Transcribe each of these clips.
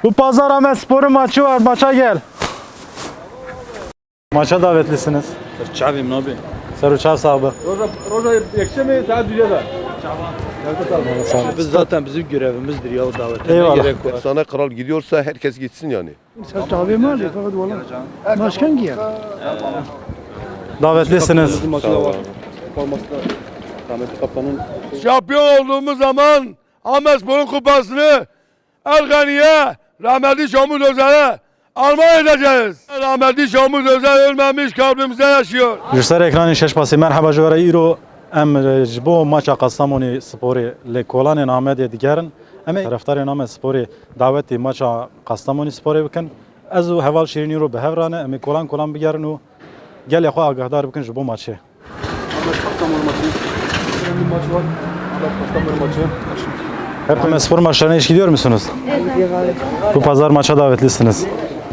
Bu pazar Ahmet Spor'un maçı var. Maça gel. Maça davetlisiniz. Çavim abi. Seruçav sahibi. Roza yakışa mı? Saat dünyada. Biz zaten bizim görevimizdir ya o davete. Eyvallah. Ne gerek var? Sana kral gidiyorsa herkes gitsin yani. Başkan giyer. Davetlisiniz. Maçı da var. Forması da Rahmetli Kaptan'ın. Şampiyon olduğumuz zaman Ahmetspor'un kupasını Ergani'ye, rahmetli Şamuz Özel'e armağan edeceğiz. Rahmetli Şamuz Özel ölmemiş, kalbimizde yaşıyor. Jser ekranın şeşpası. Merhaba juvara İro. Em bu maça Kastamoni Spor'u le kolanın Ahmet'e digerin. Em taraftarın Ahmet Spor'u daveti maça Kastamoni Spor'u bikin. Ez o heval şirin İro behevranı. Em kolan bigerin o. Gel yakho agahdar bikin bu maçı. Kastamonu maçı. Önemli bir maç var. Kastamonu maçı. Hepimiz spor maçlarına hiç gidiyor musunuz? Evet. Bu pazar maça davetlisiniz.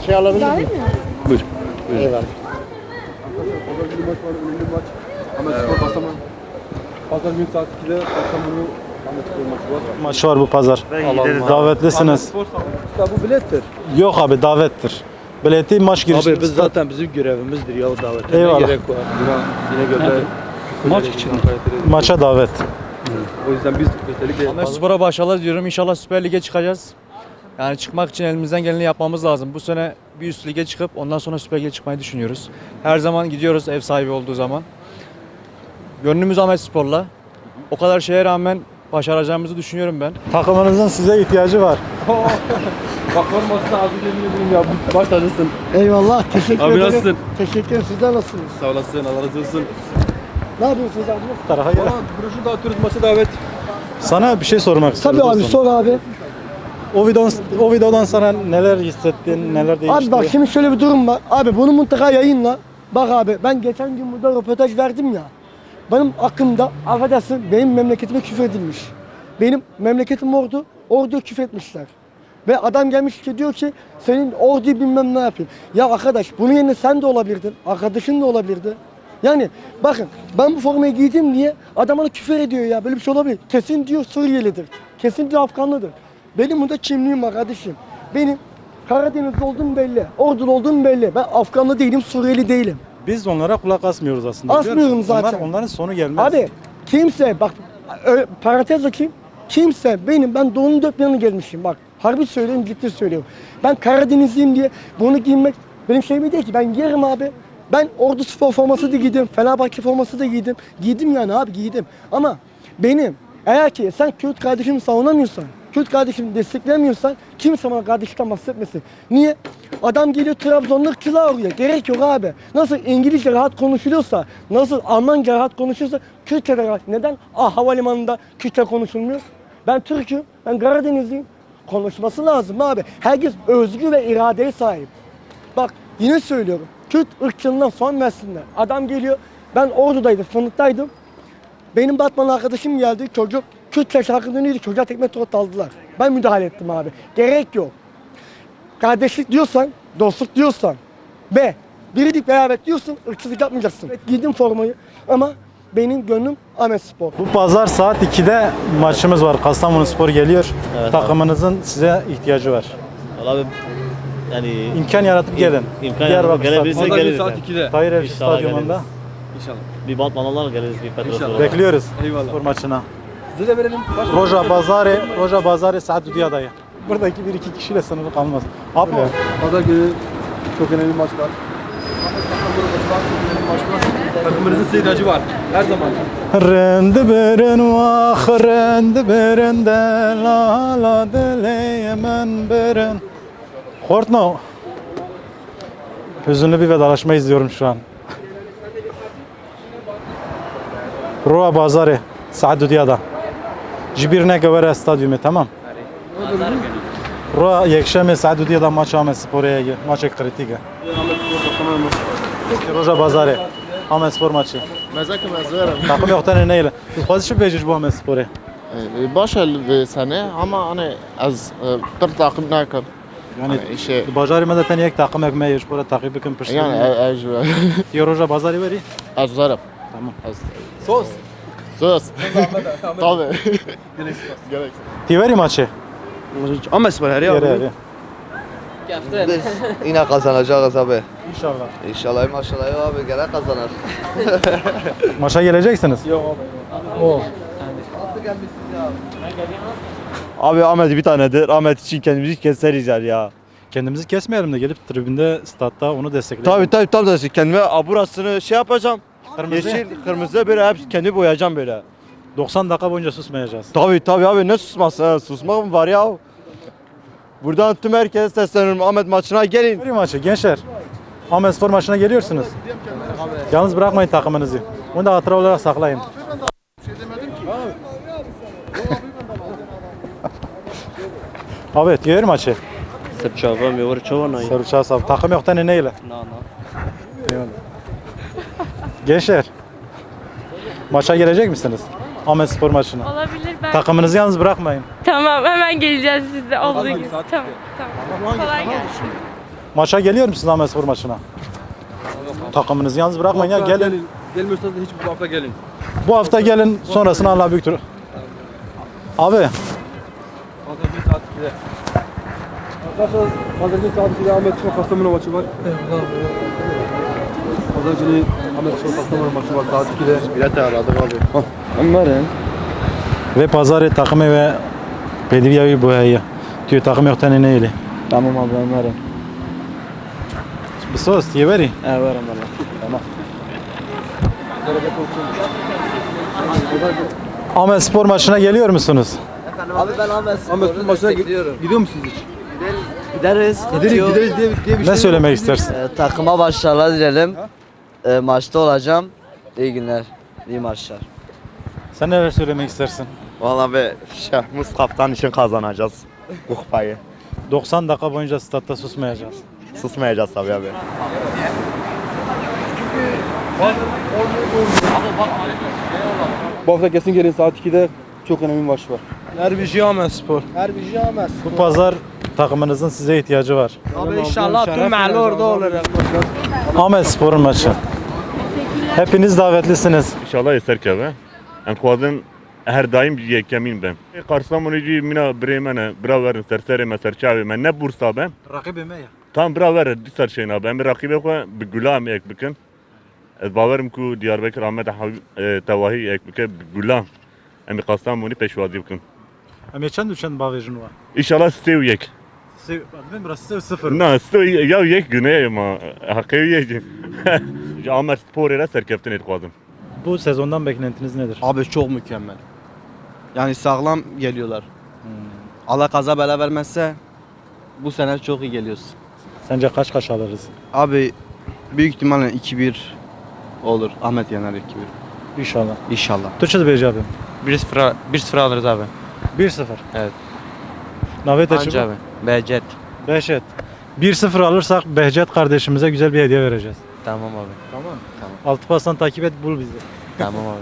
Buyur. Eyvallah. Pazar günü maç var. Önemli bir maç. Ahmet Spor Kastamonu. Pazar günü saat 2'de Kastamonu Ahmet Spor maçı var. Maç var bu pazar. Davetlisiniz. Bu bilettir. Yok abi davettir. Bileti maç girişi. Abi biz zaten bizim görevimizdir ya o davete. Eyvallah. Ne gerek var? Yine gönder. Maç için. Maça davet. O yüzden biz özellikle Ahmet Spor'a başarılar diyorum. İnşallah Süper Lig'e çıkacağız. Yani çıkmak için elimizden geleni yapmamız lazım. Bu sene bir üst lige çıkıp ondan sonra Süper Lig'e çıkmayı düşünüyoruz. Her zaman gidiyoruz ev sahibi olduğu zaman. Gönlümüz Ahmet Spor'la. O kadar şeye rağmen başaracağımızı düşünüyorum ben. Takımınızın size ihtiyacı var. bak formasını ağzı yemin edeyim ya. Baş tacısın. Eyvallah. Teşekkür Abi ederim. nasılsın? Teşekkür ederim. Sizler nasılsınız? Sağ olasın. Allah razı olsun. Ne yapıyorsunuz abi? Tarafa gel. Tamam. Broşür dağıtıyoruz. Maça davet. Sana bir şey sormak istiyorum. Tabii abi dostum. sor abi. O videodan sonra neler hissettin, neler değişti? Abi bak şimdi şöyle bir durum var. Abi bunu mutlaka yayınla. Bak abi ben geçen gün burada röportaj verdim ya. Benim hakkımda affedersin benim memleketime küfür edilmiş. Benim memleketim Ordu, Ordu'ya küfür etmişler. Ve adam gelmiş ki diyor ki senin Ordu'yu bilmem ne yapayım. Ya arkadaş bunun yerine sen de olabilirdin, arkadaşın da olabilirdi. Yani bakın ben bu formayı giydim diye adam bana küfür ediyor ya böyle bir şey olabilir. Kesin diyor Suriyelidir, kesin diyor Afganlıdır. Benim burada kimliğim var kardeşim. Benim Karadenizli olduğum belli, Ordulu olduğum belli. Ben Afganlı değilim, Suriyeli değilim. Biz onlara kulak asmıyoruz aslında. Asmıyorum biliyor musun? zaten. Onların sonu gelmez. Abi kimse bak parantez açayım. Kimse ben doğunun dört bir yanına gelmişim bak. Harbi söylüyorum ciddi söylüyorum. Ben Karadenizliyim diye bunu giymek benim şeyim değil ki ben giyerim abi. Ben Ordu Spor forması da giydim. Fenerbahçe forması da giydim. Giydim yani abi giydim. Ama benim eğer ki sen Kürt kardeşimi savunamıyorsan, Kürt kardeşimi desteklemiyorsan kimse bana kardeşlikten bahsetmesin. Niye? Adam geliyor Trabzon'da ırkçılığa uğruyor. Gerek yok abi. Nasıl İngilizce rahat konuşuluyorsa, nasıl Almanca rahat konuşuyorsa Kürtçe de rahat. Neden? Havalimanında Kürtçe konuşulmuyor. Ben Türk'üm, ben Karadenizliyim. Konuşması lazım abi. Herkes özgür ve iradeye sahip. Bak yine söylüyorum. Kürt ırkçılığından son versinler. Adam geliyor. Ben Ordu'daydım, Fındık'taydım. Benim Batman arkadaşım geldi. Çocuk Kürtçe şarkı dönüyordu. Çocuğa tekme tokat aldılar. Ben müdahale ettim abi. Gerek yok. Kardeşlik diyorsan, dostluk diyorsan ve birlik beraber diyorsun, ırkçılık yapmayacaksın. Evet, giydim formayı ama benim gönlüm Ahmet Spor. Bu pazar saat 2'de maçımız var. Kastamonu Spor geliyor. Evet, takımınızın size ihtiyacı var. Valla abi yani İmkan yaratıp gelin. imkan Diyarbakır gelebilirsek Pazar günü geliriz. saat Yani. 2'de. Tahir El İnşallah Stadyumunda geliriz. İnşallah. Bir Batmanlılar geliriz bir Petros'la. İnşallah. bekliyoruz. Eyvallah. Spor maçına. Size de verelim. Roja Bazari Saat Dudiyada'yı. Buradaki bir iki kişiyle sınırlı kalmaz. Abi Pazar günü çok önemli maç var. Takımımızın size ihtiyacı var. Her zaman. Rendi berin vah rendi berin de la la dileyemen berin. Hortno. Hüzünlü bir vedalaşma izliyorum şu an. Roja Bazari Saat Dudiyada. Jibirne Gavere Stadyumu tamam. Roja yekşeme Saat Dudiyada maç Ahmet Spor'a maç kritik. Roja Bazari Ahmet Spor maçı. مزاك مزارم Takım yoktan neyle? Fazla şu beciş bu Ahmet Spor'a. باشه السنه اما انا از bir takip نکرد Yani işe Bazari zaten yek takım ekmeği spora takip ekin pişti. yani اجوا Diyor Roja Bazari veri. از ضرب Tamam. Sos. sos tabii Gerek Tiveri maçı. Ahmet Spor her ya. Yere yere. Biz yine kazanacağız abi. İnşallah. İnşallah maşallah abi gene kazanır. Maça geleceksiniz. Abi Ahmet bir tanedir. Ahmet için kendimizi keseriz ya. Kendimizi kesmeyelim de gelip tribünde, statta onu destekleyelim. Tabii da kendime burasını şey yapacağım. Kırmızı. Yeşil, kırmızı böyle hep kendi boyayacağım böyle. 90 dakika boyunca susmayacağız. Tabii abi ne susması ha? Susmak mı var ya? Buradan tüm herkese sesleniyorum. Ahmet maçına gelin. Bir maçı gençler. Ahmet Spor maçına geliyorsunuz. Yalnız bırakmayın takımınızı. Bunu da hatıra olarak saklayın. Evet, gör maçı. Sırçava mi var çavana. Sarıçağı sağ. Takım yoktan neyle? Gençler. Maça gelecek misiniz? Ahmet Spor maçına. Olabilir ben. Takımınızı yalnız bırakmayın. Tamam hemen geleceğiz biz de olduğu gibi. Tamam. Kolay gelsin. Maça geliyor musunuz Ahmet Spor maçına? Takımınızı yalnız bırakmayın ya gelin. Gelmiyorsanız da hiç bu hafta gelin. Bu hafta gelin sonrasını Allah büyüktür. Abi Pazar günü saat 2'de. Arkadaşlar pazar günü saat 2'de Ahmet Spor Kastamonu maçı var. Pazar günü Ahmet Spor Kastamonu maçı var saat 2'de. Bilet ayarladık abi. Onların. ve pazarı takımı ve Bedivyavi boyayı. Diyor takım yoktan neyle? Tamam abi ben varım. Bir sos diye veri. Evet varım valla. Tamam. Ahmet Spor maçına geliyor musunuz? Abi ben Ahmet Ahmet Spor maçına gidiyor musunuz hiç? Gideriz. Gideriz diye bir şey Ne söylemek istersin? Takıma başarılar dilerim. Maçta olacağım. İyi günler. İyi maçlar. Sen neler söylemek istersin? Vallahi be Şahmuz kaptan için kazanacağız bu kupayı. 90 dakika boyunca statta susmayacağız. Susmayacağız tabii abi. Bu hafta kesin gelin saat 2'de çok önemli bir maç var. Derbici Ahmet Spor. Bu pazar takımınızın size ihtiyacı var. Abi inşallah tüm mahalle orada olur. Ahmet Spor'un maçı. Hepiniz davetlisiniz. İnşallah eser keve. En kuadın her daim yekemin ben. Karsamonucu mina Bremen'e bira verin serseri meserçavi men ne bursa ben. Rakibime ya. Tam bira verin disar şeyna ben bir rakibe ko bir gulam ek bikin. Ez bavarım ku Diyarbakır Ahmet Tevahi ek bikin gulam. Em Kastamonu peşvazi bikin. Ama çend düşen bavejun var. İnşallah stev yek. Ben burası sev sıfır. Na stev ya yek güne ma hakkı yek. Ahmet Spor'a serkeftin et kuadım. Bu sezondan beklentiniz nedir? Abi çok mükemmel. Yani sağlam geliyorlar. Allah kaza bela vermezse bu sene çok iyi geliyoruz. Sence kaç alırız? Abi büyük ihtimalle 2-1 olur. Ahmet yener 2-1. İnşallah. İnşallah. Türkçe Beyci abi. 1-0 alırız abi. 1-0. Evet. Navet Anca açıp abi. Behçet. Behçet. 1-0 alırsak Behçet kardeşimize güzel bir hediye vereceğiz. Tamam abi. Tamam. Altı pastan takip et bul bizi. Tamam abi.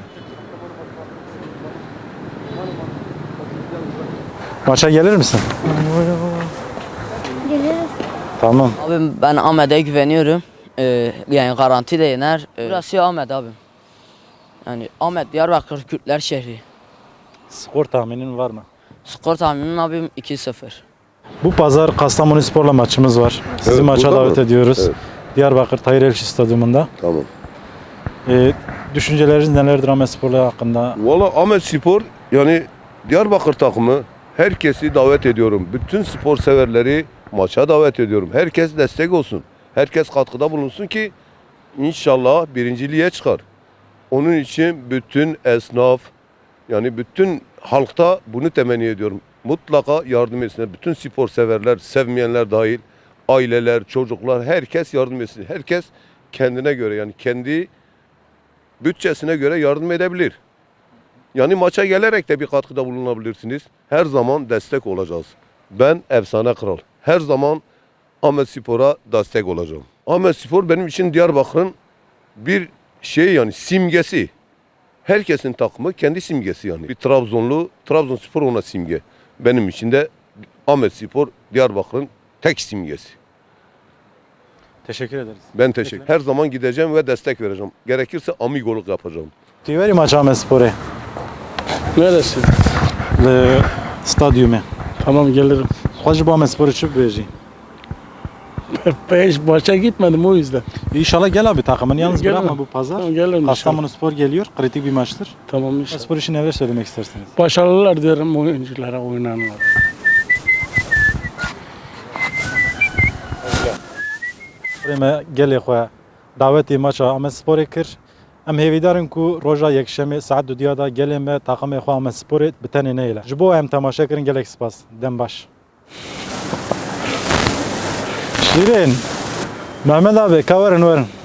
Maça gelir misin? Geliriz. Tamam. Abi ben Ahmet'e güveniyorum. Yani garanti de yener. Burası Ahmet abi. Yani Ahmet Diyarbakır Kürtler şehri. Skor tahminin var mı? Skor tahminim abim 2-0. Bu pazar Kastamonu Spor'la maçımız var. Sizi Evet, maça burada davet mı? ediyoruz. Evet. Diyarbakır Tahir Elçi Stadyumunda. Tamam. Düşünceleriniz nelerdir Ahmet Spor'la hakkında? Valla Ahmet Spor yani Diyarbakır takımı herkesi davet ediyorum. Bütün spor severleri maça davet ediyorum. Herkes destek olsun. Herkes katkıda bulunsun ki inşallah birinciliğe çıkar. Onun için bütün esnaf yani bütün halkta bunu temenni ediyorum. Mutlaka yardım etsinler. Bütün spor severler, sevmeyenler dahil, aileler, çocuklar herkes yardım etsin. Herkes kendine göre yani kendi bütçesine göre yardım edebilir. Yani maça gelerek de bir katkıda bulunabilirsiniz. Her zaman destek olacağız. Ben Efsane Kral. Her zaman Ahmet Spor'a destek olacağım. Ahmet Spor benim için Diyarbakır'ın bir şey yani simgesi. Herkesin takımı kendi simgesi yani. Bir Trabzonlu, Trabzonspor ona simge. Benim için de Ahmet Spor Diyarbakır'ın tek simgesi. Teşekkür ederiz. Ben teşekkür. Her zaman gideceğim ve destek vereceğim. Gerekirse amigoluk yapacağım. Tiveri maç Ahmet Spor'e. Neredesin? Stadyumu. Tamam gelirim. Hoş bu Ahmet Spor'u çıp veji. Hiç başa gitmedim o yüzden. İnşallah gel abi takımını yalnız Gelirim. bırakma bu pazar. Tamam, gelirim inşallah. Kastamonu Spor geliyor. Kritik bir maçtır. Tamam inşallah. Spor için neler söylemek istersiniz? Başarılar dilerim oyunculara, oynananlara. Prime gelê xwe davetê maça Amedsporê kir. Em hêvîdarin ku roja yekşemê saet dudiya da gelê me takımê xwe Amedsporê bi tenê neyle. Ji bo em temaşe kirin gelek spas. Dem baş. Şirin. Mehmet abi kaverin verin.